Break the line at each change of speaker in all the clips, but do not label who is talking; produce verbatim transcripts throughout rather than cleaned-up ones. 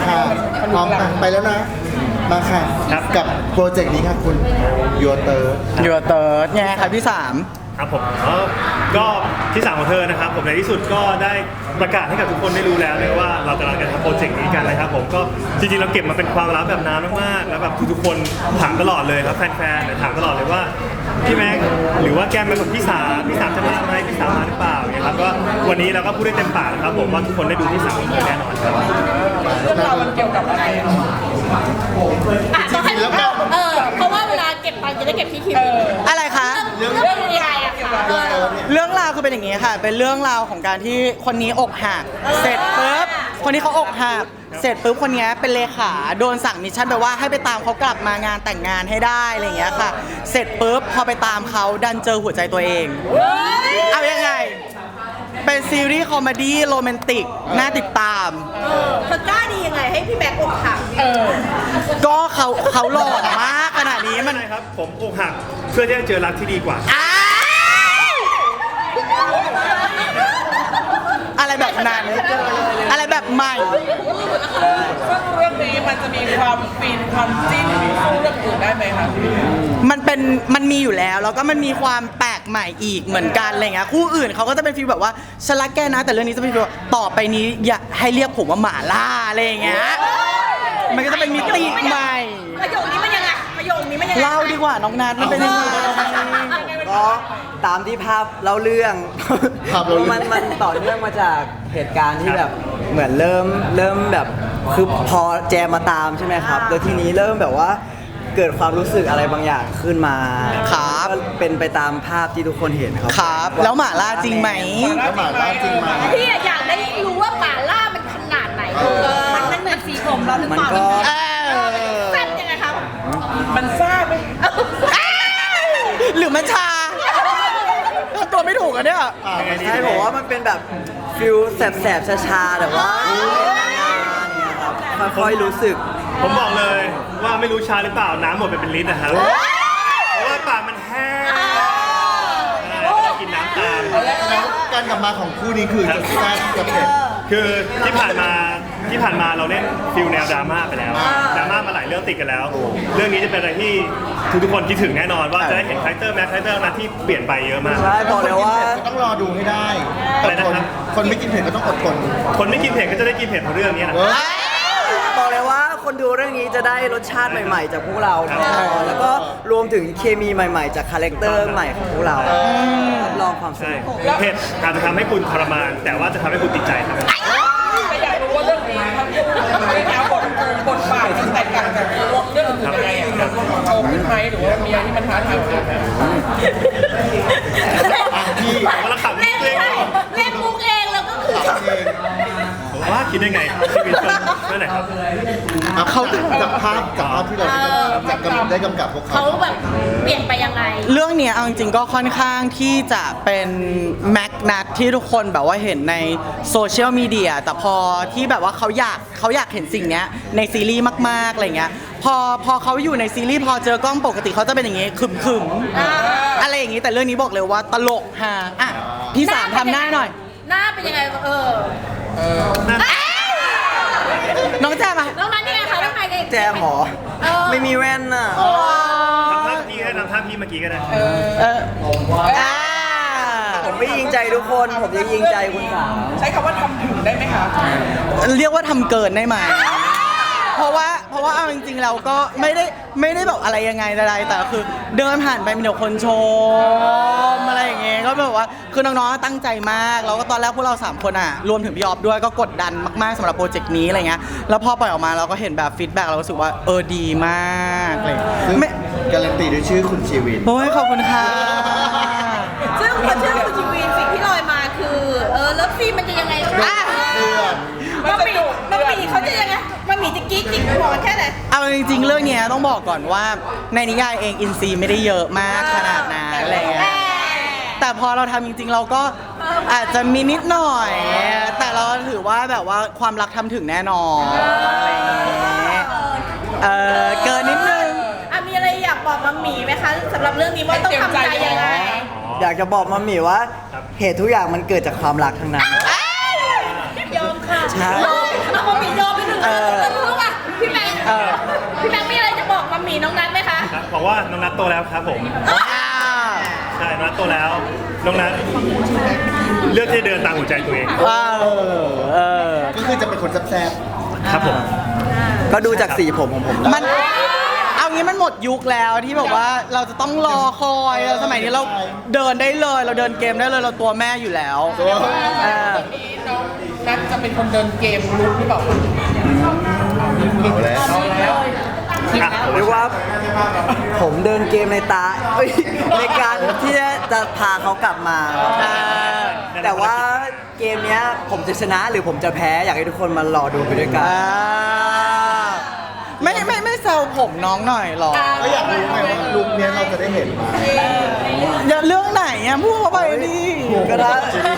ค่ะพร้อมค่ะไปแล้วนะมาค่ะกับโปรเจกต์นี้ค่ะคุณยูเตอร์
ยูเติร์ดไงครับที่สาม
ครับผมก็ที่สามของเธอนะครับผมในที่สุดก็ได้ประกาศให้กับทุกคนได้รู้แล้วเลยว่าเรากำลังจะทำโปรเจกต์นี้กันนะครับผมก็จริงๆเราเก็บมาเป็นความลับแบบนานมากๆแล้วแบบทุกๆคนถามตลอดเลยครับแฟนๆถามตลอดเลยว่าพี่แม็กหรือว่าแกมเป็นคนพี่สามพี่สามจะมาไหมพี่สามมาหรือเปล่าเนี่ยครับก็วันนี้เราก็พูดได้เต็มปากนะครับผมว่าทุกคนได้ดูที่สามของเธอแน่นอนครับ
เรื่องราวมันเกี่ยวกับอะไรอ่ะ
ต้องให้เออเพราะว่าเวลาเก็บตังค์จะได้เก็บที่ทีวี
อะไรคะ
เรื่องเรื่องยังไงอะคะ
เรื่องราวคือเป็นอย่างนี้ค่ะเป็นเรื่องราวของการที่คนนี้อกหักเสร็จปุ๊บคนนี้เขาอกหักเสร็จปุ๊บคนนี้เป็นเลขาโดนสั่งมิชชั่นไปว่าให้ไปตามเขากลับมางานแต่งงานให้ได้อะไรอย่างเงี้ยค่ะเสร็จปุ๊บพอไปตามเขาดันเจอหัวใจตัวเองเอายังไงเป็นซีรีส์คอมเมดี้โรแมนติกน่าติดตาม
เธอกล้าดียังไงให้พี่แบ็คอกหัก
ก็เขาเขาหล่อมากขนาดนี้มัน
อะไรครับผมอกหักเพื่อที่จะเจอรักที่ดีกว่า
อะไรแบบนั้นอะไรแบบใหม่
ซึ่งเรื่องนี้มันจะมีความฟินความจิ้นสู้เรื่องอื่นได้ไหมคะ
มันเป็นมันมีอยู่แล้วแล้วก็มันมีความแปลกใหม่อีกเหมือนกันอะไรเงี้ยคู่อื่นเขาก็จะเป็นฟีลแบบว่าฉันรักแกนะแต่เรื่องนี้จะเป็นฟีลต่อไปนี้อย่าให้เรียกผมว่าหมาล่าอะไรเงี้ยมันก็จะเป็นมิติใหม่
ประโยคนี้มันยังไงประโยคนี้มันยังไง
เล่าดีกว่าน้องนัทมันเป็นยังไง
ก็ตามที่ภาพเล่าเรื่องมันมันต่อเนื่องมาจากเหตุการณ์ที่แบบเหมือนเริ่มเริ่มแบบคือพอแจมมาตามใช่ไหมครับแล้วทีนี้เริ่มแบบว่าเกิดความรู้สึกอะไรบางอย่างขึ้นมา
ครับ
เป็นไปตามภาพที่ทุกคนเห็นครับ
ครับแล้วหม่าล่าจริงไหม
แล้วหม่าล่าจริงไหม
พี่อยากได้รู้ว่าหม่าล่ามันขนาดไหนมันมันเหมือนสีผมเราหรือเปล่าแซ่บยังไงครับ
มันซ่าไหม
หรือมันชาตัวไม่ถูกอ่ะเนี่ย
ใช่ผมว่ามันเป็นแบบฟิลแสบๆชาๆแต่ว่าค่อยๆรู้สึก
ผมบอกเลยว่าไม่รู้ชาหรือเปล่าน้ำหมดไปเป็นลิตรนะครับเพราะว่าปากมันแห้งกินน้ำตาม
แล้วการกลับมาของคู่นี้คือจะแซ่บจะเผ็ด
คือที่ผ่านมาที่ผ่านมาเราเล่นฟิลแนวดราม่าไปแล้วดราม่ามาหลายเรื่องติดกันแล้วเรื่องนี้จะเป็นอะไรที่ทุกๆคนคิดถึงแน่นอนว่าจะได้เห็นคาแรคเตอร์แม็กคาแรคเตอร์นั้นที่เปลี่ยนไปเยอะมาก
ใช่บอกเลยว่า
ต้องรอดูให้ได้อะไรนะครับคนไม่กินเผ็ดก็ต้องอดทน
คนไม่กินเผ็ดก็จะได้กินเผ็ดเพราะเรื่องนี้นะ
บอกเลยว่าคนดูเรื่องนี้จะได้รสชาติใหม่ๆจากพวกเราแล้วก็รวมถึงเคมีใหม่ๆจากคาแรคเตอร์ใหม่ของพวกเราลองความสนุก
เผ็ดอาจจะทำให้คุณทรมานแต่ว่าจะทำให้คุณติดใจครับ
อยากรู้ว่าเรื่องนี้ทำให้แนวบทบทบาทมันแตกต่างจากเรื่องอื่นยังไงอ่ะมันโตขึ้นไหมหรือว่ามีอะไรที่มันท้าทายกว่ากัน
พี่มาละขับเล่น
เล่นมุกเองแล้วก็คือ
ว่าคิดได้ไงชีวิตเมื่อไหร่ครับ
เขาจากภาพจากภาพที่เราได้กำกับพวกเขา
เขาแบบเปลี่ยนไปยังไง
เรื่องเนี้ยเอาจริงๆก็ค่อนข้างที่จะเป็นแม็กนัทที่ทุกคนแบบว่าเห็นในโซเชียลมีเดียแต่พอที่แบบว่าเขาอยากเขาอยากเห็นสิ่งเนี้ยในซีรีส์มากๆอะไรเงี้ยพอพอเขาอยู่ในซีรีส์พอเจอกล้องปกติเขาจะเป็นอย่างงี้ขึมๆอะไรอย่างงี้แต่เรื่องนี้บอกเลยว่าตลกฮะอ่ะพี่สามทำหน้าหน่อย
หน้าเป็นยังไงเออ
น้องแจมอ่ะ
น้องนัทนี่ไงคะน้องนาย
แจมหรอไม่มีแว่นน่ะ
ทำท่าพี่ก็ได้ทำท่าพี่เมื่อกี้ก็ได้
ผมไม่ยิงใจทุกคนผมจะยิงใจคุณสาว
ใช้คำว่าทำถึงได้ไหมคะ
เรียกว่าทำเกินได้ไหมเพราะว่าเพราะว่าเอาจริงๆเราก็ไม่ได้ไม่ได้แบบอะไรยังไงอะไรแต่คือเดินผ่านไปมีแต่คนชมอะไรอย่างเงี้ยก็แบบว่าคือน้องๆตั้งใจมากแล้วก็ตอนแรกพวกเราสามคนอ่ะรวมถึงพี่ออฟด้วยก็กดดันมากๆสำหรับโปรเจกต์นี้อะไรเงี้ยแล้วพอปล่อยออกมาเราก็เห็นแบบฟีดแบ็กเรารู้สึกว่าเออดีมากเลย
ไม่การันตีด้วยชื่อคุณชีวิน
โอ้ยขอบคุณค่ะ
ซึ่งพอชื่อคุณชีวินสิ่งที่ลอยมาคือเออเลิฟซีมันจะยังไงคะมันมีมันมีเขาจะยังไงมันมีจะกิ๊กจิกหัวแค่ไหน
เอาจริงๆเรื่องนี้ต้องบอกก่อนว่าในนิยายเองอินซีไม่ได้เยอะมากขนาดนั้นอะไรเงี้ยแต่พอเราทำจริงๆเราก็อาจจะมีนิดหน่อยแต่เราถือว่าแบบว่าความรักทำถึงแน่นอนอะไรเงี้ยเออเกินนิดนึง
อ่ะมีอะไรอยากบอกมัมหมี่ไหมคะสำหรับเรื่องนี้ว่าต้องทำใจยังไง
อยากจะบอกมัมหมี่ว่าเหตุทุกอย่างมันเกิดจากความรักทั้งนั้น
ยอมค่ะ
ใช่
เอามัมหมี่ยอมไปหนึ่งน้องนัทไหมคะ
ครับบอกว่าน้องนัทโตแล้วครับผมใช่น้องนัทโตแล้วน้องนัทเลือกที่จะเดินตามหัวใจตัวเอง
ว้าวเออ
ก็คือจะเป็นคนแซ่บ
ครับผม
ก็ดูจากสีผมของผม
มันเอางี้มันหมดยุคแล้วที่แบบว่าเราจะต้องรอคอยสมัยนี้เราเดินได้เลย เราเดินเกมได้เลยเราตัวแม่อยู่แล้ว
ๆตัว
เออ
นี่น้องนัทจะเป็นคนเดินเกมลุกหรือเปล่า
เอาแล้ว
อ่ะผม
เรียกว่าผมเดินเกมในตาเอ้ยในการที่จะพาเขากลับมา
อ่า
แต่ว่าเกมเนี้ยผมจะชนะหรือผมจะแพ้อยากให้ทุกคนมารอดูไปด้วยกัน
อ่าไม่ไม่ไม่แซวผมน้องหน่อยหรอ
ก็อยากรู้ไงว่าลุคเนี้ยเราจะได้เห็นไหม
อย่าเรื่องไหนอ่ะพูดเข้าไปดิ
ก็ได้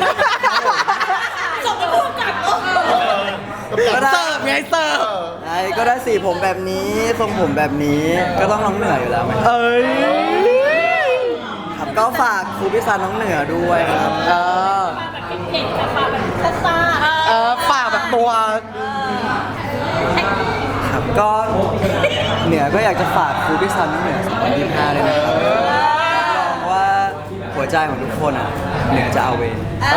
ส่งไปพูดกับเออ
ก็ได้
เสิร์ฟไงเสิร์ฟ
ไอ้ก็ได้สีผมแบบนี้ทรงผมแบบนี้ก็ต้องน้องเหนืออยู่แล้วไหม
เอ้ย
ครับก็ฝากครูพิซานน้องเหนือด้วยครับ
เออ
เห็นแบบมาแบบซ่าๆ
เออฝากแบบตัว
ครับก็เหนือก็อยากจะฝากครูพิซานน้องเหนือสองพันยี่สิบห้าด้วยนะครับรับรองว่าหัวใจของทุกคนอ่ะเหนือจะเอาเวร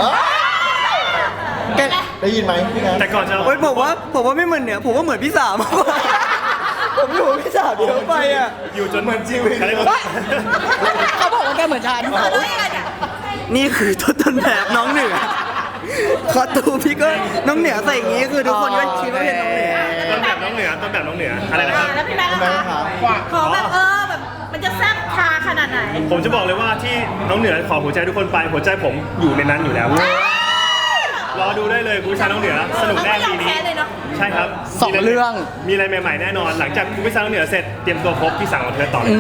แก
ได้ยินไหมพี่นัท
แต่ก่อนจะ
เฮ้ยผมว่าผมว่าไม่เหมือนเหนือผมว่าเหมือนพี่สามมากกว่าผมอยู่กับพี่สามเยอะไปอ่ะ
อยู่จน
เหมือนชีวิต
เขาเรียกว่า
เขาบอกว่าแกเหมือนฉัน
นี่คือต้นแบบน้องเหนือคอตูมพี่ก็น้องเหนือใส่อย่างงี้คือทุกคนก็คิดว่าเป็นน้องเหนือ
ต้นแบบน้องเหนือต้นแบบน้องเหนืออะไรนะครับ
แล้วพี่แม่
คุณแม่
ล่ะ
คะ
คะขอแบบเออแบบมันจะแซ่บชาขนาดไหน
ผมจะบอกเลยว่าที่น้องเหนือขอหัวใจทุกคนไปหัวใจผมอยู่ในนั้นอยู่แล้ว รอดูได้เลยคุณชายน้องเหนือสนุกแน่ปีนี้
ไม่ยอมแพ้เลยเนอะ
ใช่ครับ
สองเรื่อง
มีอะไรใหม่ๆแน่นอน หลังจากคุณชายน้องเหนือเสร็จเตรียมตัวพบที่สั่งของเธอต่อเลย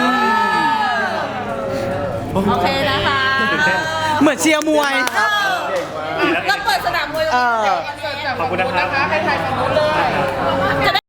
โอเคนะคะ
ตื่นเต้น
เหมือนเชียร์มวย
ดีแล้ว
แล้วเปิดสนามมวย
เออ
ขอบคุณนะครับ
ให้ถ่ายฝั่งนู้นเลย
จะได้